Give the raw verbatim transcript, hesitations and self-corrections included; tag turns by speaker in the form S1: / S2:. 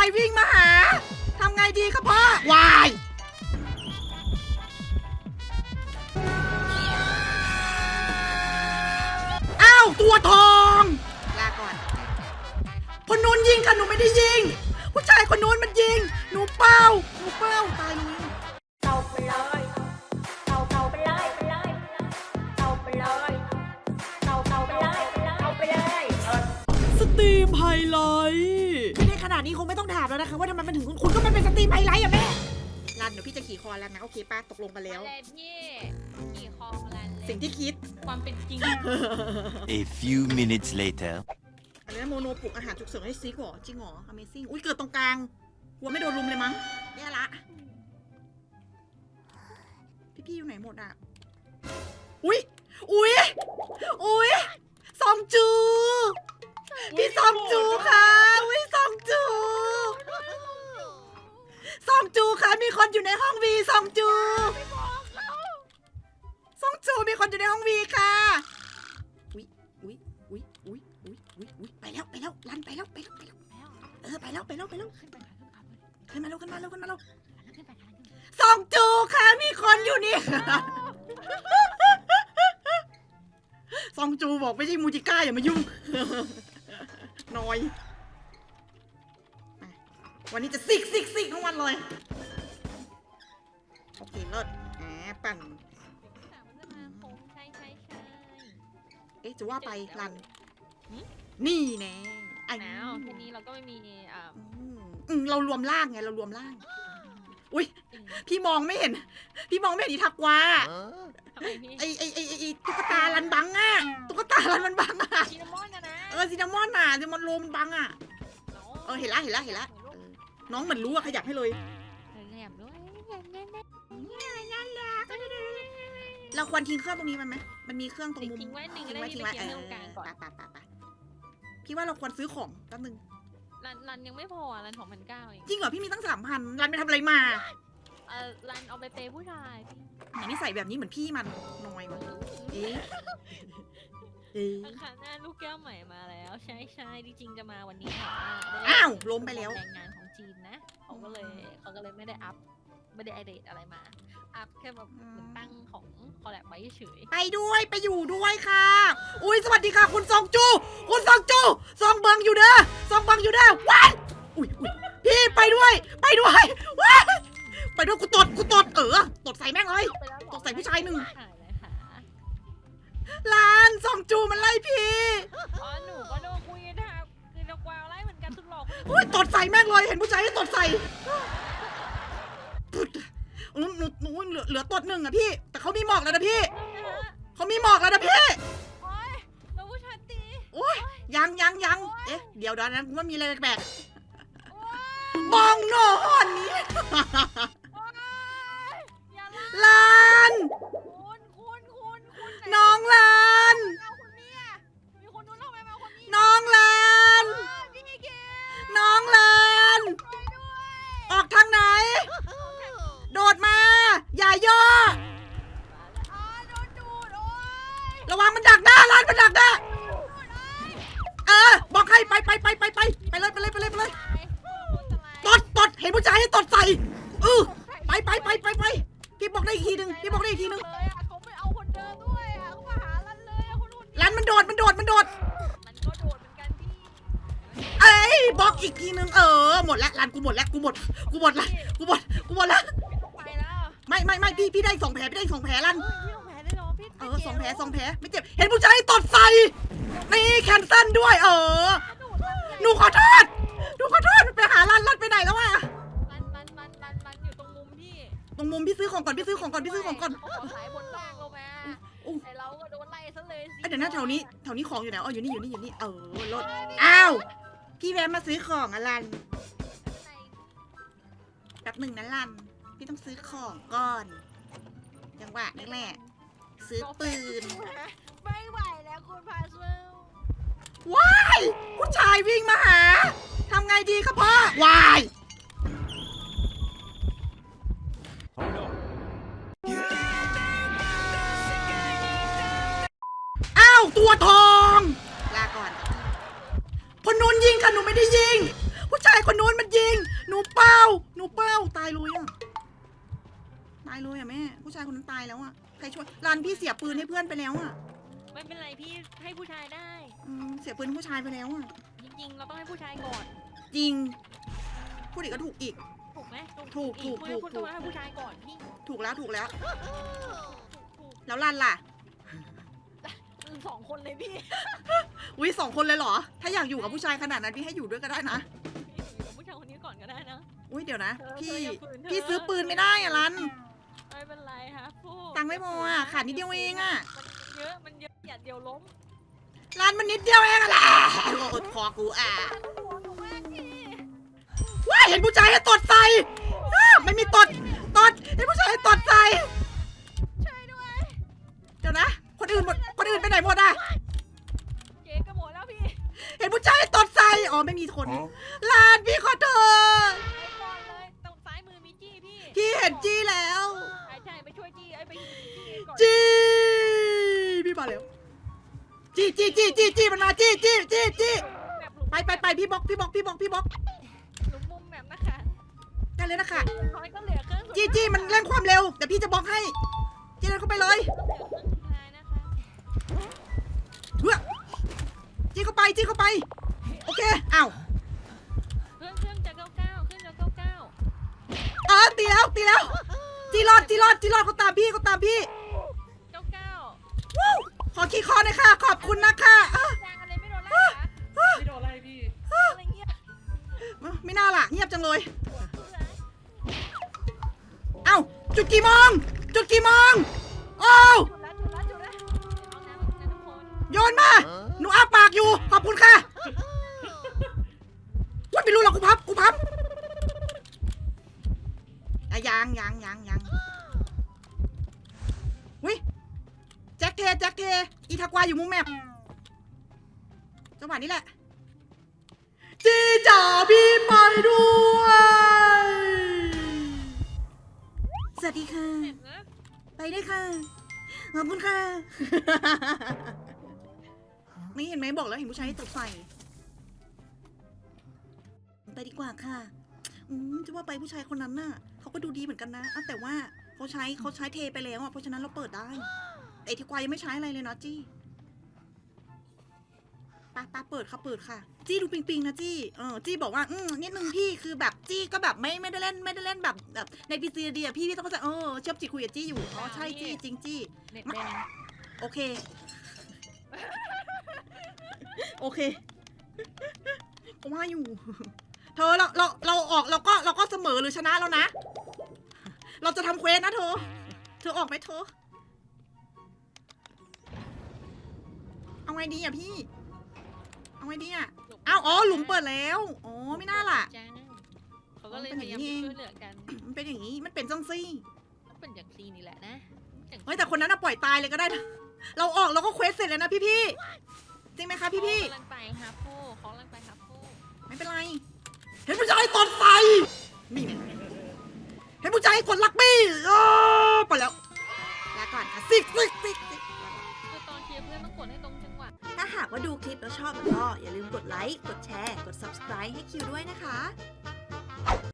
S1: ายวิ่งมาหาทำไงดีครับพ่อวายอ้าวตัวทองลาก่อนคนนู้นยิงค่ะหนูไม่ได้ยิงผู้ชายคนนู้นมันยิงหนูเป้าหนูเป้าตายเลย
S2: เอาไปเลยเอาเอาไปเลยไปเลยเอาไปเลยเอาเอาไปเลยเอาไปเลย
S1: สตรีมไฮไลท์ไม่ได้ขนาดนี้คงไม่ต้องถามแล้วนะคะว่าทำไมมันถึงคุณก็มันเป็นสตรีมไฮไลท์อะแม่รันเดี๋ยวพี่จะขี่คอแล้วนะโอเคป้าตกลงกันแล้ว
S2: อะไรพี่ขี่คอรันเลย
S1: สิ่งที่คิด
S2: ความเป็นจริง
S3: A few minutes later
S1: อันนี้โมโนปลุกอาหารฉุกเฉินให้ซิกเหรอจริงเหรอ Amazing อุ้ยเกิดตรงกลางกลัวไม่โดนลุมเลยมั้งแย่ละพี่ๆอยู่ไหนหมดอ่ะอุ้ยอุ้ยอุ้ยซองจูพี่ซองจูค่ะอุ้ยซองจูซองจูค่ะมีคนอยู่ในห้องวีซองจูซองจูมีคนอยู่ในห้องวีค่ะอุ้ยอุ้ยอุ้ยอุ้ยอุ้ยอุ้ยอุ้ยไปแล้วไปแล้วลันไปแล้วไปแล้วไปแล้วเออไปแล้วไปแล้วไปแล้วขึ้นมาแล้วขึ้นมาแล้วขึ้นมาแล้วซองจูค่ะมีคนอยู่นี่ซองจูบอกไม่ใช่มูจิก้าอย่ามายุ่งน้อยวันนี้จะซิกซิกซิกทั้งวันเลยโอเคเลิศแหมปั่นเอ๊ะจะว่าไปรันนี่แน่ไอ้
S2: แล้วทีนี้เราก็ไม่มีอ่า
S1: อืมเรารวมร่างไงเรารวมร่างอุ้ยพี่มองไม่เห็นพี่มองไม่เห็นอีทักวาไอไอไอไอตุ๊กตาลันบังอ่ะตุ๊กตาลันมันบังอ่ะ
S2: ซินนามอนนะนะ
S1: เออซินนามอนน่ะซินนามอนโรมันบังอ่ะเออเห็นละเห็นละเห็นละน้องเหมือนรู้อะขยับให้เลยเราควรทิ้งเครื่องตรงนี้มันไหมมันมีเครื่องตรงมุม
S2: ทิ้งไว้หนึ่ง
S1: ทิ้ง
S2: ไว้
S1: ไว้
S2: ทิ้
S1: ทิ้
S2: ง
S1: ง
S2: ไว้
S1: ไว้เออ
S2: ตรงกลางก่อน
S1: ปะปะปะพี่ว่าเราควรซื้อของแป๊บนึง
S2: รันรันยังไม่พอรันสองพันเก้าเอง
S1: จริงเหรอพี่มีตั้งสามพันรันไปทำอะไรมา
S2: เออรันเอาไปเปย์ผู้ชาย
S1: ไหนนี่ใส่แบบนี้เหมือนพี่มันน้อยวะเอ๊ะเอ๊ะ
S2: ค่ะหน้าลูกแก้วใหม่มาแล้วใช่ใช่จริงๆจะมาวันนี้ค่ะ
S1: อ้าวล้มไปแล้ว
S2: แรงงานของจีนนะเขาก็เลยเขาก็เลยไม่ได้อัพไม่ได้ไอเดทอะไรมาอัพแค่แบบตั้งของคอลแลบไว้เฉย
S1: ไปด้วยไปอยู่ด้วยค่ะอุ้ยสวัสดีค่ะคุณซองจูคุณซองจูซองบังอยู่เด้อซองบังอยู่เด้อว้ายอุ้ยอุ้ยพี่ไปด้วยไปด้วยว้ายไปด้วยกูตดกูตดเออตดใส่แม่งเลยตดใส่ผู้ชายหนึ่งลานซองจูมันไล่พี่
S2: อ๋อหนูก็โดนคุยกันค่ะคือเรากวาวไล่เหมือนกันสุดหลอก
S1: อุ้ยตดใส่แม่งเลยเห็นผู้ชายให้ตดใส่หนูหนูหนูเหลือเหลือตดหนึ่งอะพี่แต่เขามีหมอกแล้วนะพี่เขามีหมอกแล้วนะพี่
S2: โอ๊ยเราผู้ชายตี
S1: โอ๊ยยังยังยังเอ๊ะเดี๋ยวเดี๋ยวนะว่ามีอะไรแปลกๆบองนอนนี้ลานน้องลานน้องลานน้องลานออกทางไหนโดดมาอย่าย่อระวังมันดักหน้าลานมันดักหน้าเออบอกให้ไปไปไปไปไปไปเลยไปเลยไปเลยไปเลยตดตดเห็นผู้ชายให้ตดใส่เออไปไปไปไปไปพี่บอกได้อีกทีหนึ่งพี่บอกได้อีกทีหนึ่ง
S2: เขาไม่เอาคนเดิมด้วยอ่ะเขามาหาลันเลยคนนู้น
S1: ลันมันโดดมันโดดมันโดด
S2: มันก็โดดเหมือนกันพี่
S1: เอ้ยบอกอีกทีหนึ่งเออหมดแล้วลันกูหมดแล้วกูหมดกูหมดละกูหมดกูหมดแล้ว
S2: ไปแล้ว
S1: ไม่ไม่ไม่พี่พี่ได้สองแผลพี่ได้สองแผลลัน
S2: พี่สองแผลได้หรอพี่
S1: เออสองแผลสองแผลไม่เจ็บเห็นผู้ชายตดใส่นี่แคนเซิลด้วยเออหนูขอโทษหนูขอโทษไปหาลันลันไปไหนแล้ววะ
S2: ลันลันลันลันลันอยู่ตรงมุมพี่
S1: ตรงมุมพี่ซื้อของก่อนพี่ซื้อของก่อนพี่ซื้อของก่อน
S2: ขอสายบนล่างลงมาไอเราก็โดนไล่ซะเลย
S1: สิเดี๋ยวนะแถวนี้แถวนี้ของอยู่ไหนอ๋ออยู่นี่อยู่นี่อยู่นี่เออรถอ้าวพี่แวะมาซื้อของอะลันแป๊บหนึ่งนะลันพี่ต้องซื้อของก่อนจังหวะนี่แหละซื้อปืน
S2: ไม่ไหวแล้วคุณพาเซล
S1: ว้ายผู้ชายวิ่งมาหาทำไงดีครับพ่อวายอ้าวตัวทองลาก่อนคนนู้นยิงค่ะหนูไม่ได้ยิงผู้ชายคนนู้นมันยิงรันพี่เสียปืนให้เพื่อนไปแล้วอ่ะ
S4: ไม่เป็นไรพี่ให้ผู้ชายได้
S1: อืมเสียปืนให้ผู้ชายไปแล้วอ่ะ
S4: จริงๆ เราต้องให้ผู้ชายก่อน
S1: จริงพูดอีกก็ถูกอีก
S4: ถูกไหม
S1: ถูก
S4: อี
S1: ถูก
S4: คุณ
S1: ถูก
S4: คุณ
S1: ถู
S4: ต้อก งให้ผู้ชายก่อนพี่
S1: ถูกแล้วถูกแล้ว
S4: ถูกถูก
S1: แล้วรันล่ะ
S4: อืมสองคนเลยพี่
S1: อุ้ยสองคนเลยเหรอ ถ้าอยากอยู่กับผู้ชายขนาดนั้นพี่ให้อยู่ด้วยก็ได้นะ
S4: พี่อยู่กับผู้ชายคนนี้ก่อนก็ได้นะ
S1: อุ้ยเดี๋ยวนะ
S4: เธอ
S1: พี่
S4: เธออย่าฝืนเธอ
S1: พี่ซื้อปืนไม่ได้อะรัน
S4: ไม่เป็นไรครับพู
S1: ตังค์ไม่พออะขาดนิดเดียวเองอะ
S4: มันเยอะมันเยอะอย่าเดียวล้ม
S1: รันมันนิดเดียวเองอะแหละอดคอกูอ่ะ
S4: หัวหนูมากพี่
S1: ว้ายเห็นผู้ชายให้ตดใส่อ้าไม่มีตดตดเห็นผู้ชายให้ตดใส่
S4: ช่วยด้วย
S1: เดี๋ยวนะ คนอื่นหมดคนอื่นไปไหนหมดอะ
S4: เจ๊ก็หมดแล้วพี่
S1: เห็นผู้ชายให้ตดใส่อ๋อไม่มีคนลานพี่ขอโทษ
S4: ไปก่อนเลยตรงซ้ายมือมีจี้พี่
S1: พี่เห็นจี้แล้ว
S4: ใช่ใช่ไปช่วยจี้ไอ้ยไปจี้ก่อน
S1: จี้พี่มาแล้วจี้จี้จี้จี้จี้มันมาจี้จี้จี้จี้
S4: แบบหลุม
S1: ไปไปไปพี่บล็อกพี่บล็อกพี่บล็อกพี่บล็อก
S4: หลุมมุมแบบนะคะ
S1: ได้เลยนะคะ
S4: น้อยก็เหลือเครื่องสุด
S1: จี้จี้มันเร่งความเร็วแต่พี่จะบล็อกให้จี้เดินเข้าไปเลย
S4: เหลือเครื่องสุดท้ายนะคะ
S1: เฮ้ยจี้เข้าไปจี้เข้าไปโอเคอ้าว
S4: เครื่องเครื่องจะเก้าเก้าเครื่องจะเก้าเก้า
S1: เออตีแล้วตีแล้วจี้รอดจี้รอดจี้รอดเขาตามพี่เขาตามพี่
S4: เก้าเก้า
S1: วู้ขอขี้คอหน่อยค่ะขอบคุณนะคะอ่ะ
S4: แซงอะไรไม่โดนไล่เหรอ
S5: ไม่โดนอะไรพี่
S4: อะไรเงี้ย
S1: ไม่น่าล่ะเงียบจังเลย
S4: ปวดหัวเลย
S1: เอ้าจุดกี่โมงจุดกี่โมงโอ้ว
S4: จุดละจุดละจุดละเอาน้ำนะทุกคน
S1: โยนมาหนูอ้าปากอยู่ขอบคุณค่ะว่าไม่รู้หรอกกูพับกูพับอะยังยังยังยังวิแจ็คเทแจ็คเทอีทากวาอยู่มุมแมปจังหวะนี้แหละจีจ๋าพี่ไปด้วยสวัสดีค่ะ
S4: เห็นนะ
S1: ไปได้วยค่ะ ขอบคุณค่ะ นี่เห็นไหมบอกแล้วเห็นผู้ชายให้ตกใส่ไปดีกว่าค่ะ อืมจะว่าไปผู้ชายคนนั้นน่ะเขาก็ดูดีเหมือนกันนะอ่ะแต่ว่าเขาใช้เขาใช้เทไปแล้วอ่ะเพราะฉะนั้นเราเปิดได้แต่ไอ้ที่ควายยังไม่ใช้อะไรเลยนะจี้ปาปาเปิดค่ะเปิดค่ะ จี้ดูปิงปิงนะจี้เออจี้บอกว่าอืมนิดนึงพี่คือแบบจี้ก็แบบไม่ไม่ได้เล่นไม่ได้เล่นแบบแบบในพีซีดีอะพี่พี่ต้องเข้าใจเออเชื่อมจิตคุยกับจี้อยู่อ๋อใช่จี้จริงจี้
S4: เน็ตแดง
S1: โอเค โอเคก็ว่าอยู่ เธอเราเราเราออกเราก็เราก็เสมอหรือชนะแล้วนะ เราจะทำเควสนะเธอ เธอออกไหมเธอ เอาไงดีอ่ะพี่ เอาไงดีอ่ะอ้าวอ๋อหลุมเปิดแล้ว อ๋อไม่น่าล่ะ
S4: จ้าเขาก็เลย
S1: อ๋อ
S4: พ
S1: เป็นอย
S4: า
S1: ย่าง
S4: ยาม
S1: นี้
S4: จะ
S1: เอง
S4: ช่วยเหลือกัน
S1: มันเป็นอย่างนี้ มันเป็นจังซี่
S4: ก็เป็นอย่างซีนี่แหละนะอย่าง
S1: เฮ้ยแต่คนนั้นน่ะปล่อยตายเลยก็ได้นะ เราออกเราก็เควสเสร็จแล้วนะพี่พี่ๆจริงไหมคะพี่พี่
S4: เขากำลังไปครับผู้เขากำลังไปครับผู้
S1: ๆไม่เป็นไร เห็นผู้ชายตดใส่นี่เห็นผู้ชายกดลักบี้